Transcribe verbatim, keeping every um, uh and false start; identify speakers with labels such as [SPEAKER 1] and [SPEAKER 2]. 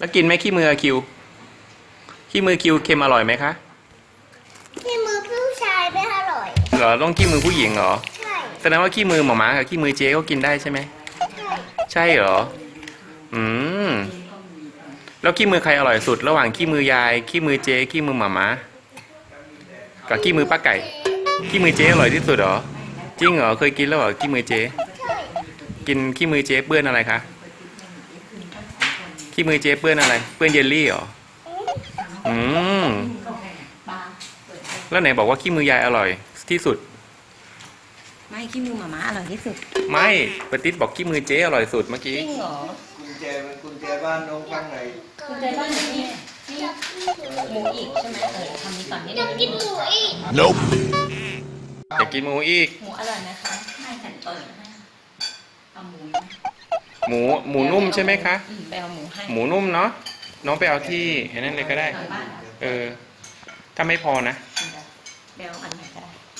[SPEAKER 1] แล้วกินไหมขี้มือคิวขี้มือคิวเค็มอร่อยไหมคะ
[SPEAKER 2] ขี้มือผู้ชายไม่อร่อย
[SPEAKER 1] เหรอต้องขี้มือผู้หญิงเหรอ
[SPEAKER 2] ใช่
[SPEAKER 1] แสดงว่าขี้มือหมาม้ากับขี้มือเจ๊ก็กินได้ใช่ไหม
[SPEAKER 2] ใช่
[SPEAKER 1] ใช่เหรออืมแล้วขี้มือใครอร่อยสุด ระหว่างขี้มือยายขี้มือเจ๊ขี้มือหมาม้ากับขี้มือป้าไก่ขี้มือเจ๊อร่อยที่สุดเหรอจริงเหรอเคยกินแล้วเหรอขี้มือเจ๊กินขี้มือเจ๊เปื้อนอะไรคะขี้มือเจ๊เปื้อนอะไรเปื้อนเยลลี่เหรออืมแล้วไหนบอกว่าขี้มือยายอร่อยที่สุด
[SPEAKER 3] ไม่ขี้มือหมาม้าอร่อยที่สุด
[SPEAKER 1] ไม่ปฏิษบอกขี้มือเจ๊อร่อยสุดเมื่อกี้
[SPEAKER 3] จริงเหรอ
[SPEAKER 4] กุญแจเป็นกุญแจบ้านน้องข้างใน
[SPEAKER 3] คุณใจบ้านอยู่นี่นี่หมูอีกใช่ไหมเออทำนี้ก่อนนิดนึง
[SPEAKER 2] กินหมูอีก
[SPEAKER 1] Nope อยากกินหมูอีก
[SPEAKER 3] หมูอร่อยนะคะไม่ฉันเปิดให้เอาหมู
[SPEAKER 1] หมูหมูนุ่มใช่ไหมคะ
[SPEAKER 3] อืมไปเอาหมูให้
[SPEAKER 1] หมูนุ่มเนาะน้องไปเอาที่เห็นนั่นเลยก็ได้
[SPEAKER 3] หลังบ้าน
[SPEAKER 1] เออถ้าไม่พอนะ
[SPEAKER 3] ไปเอาอันไหนก็ได้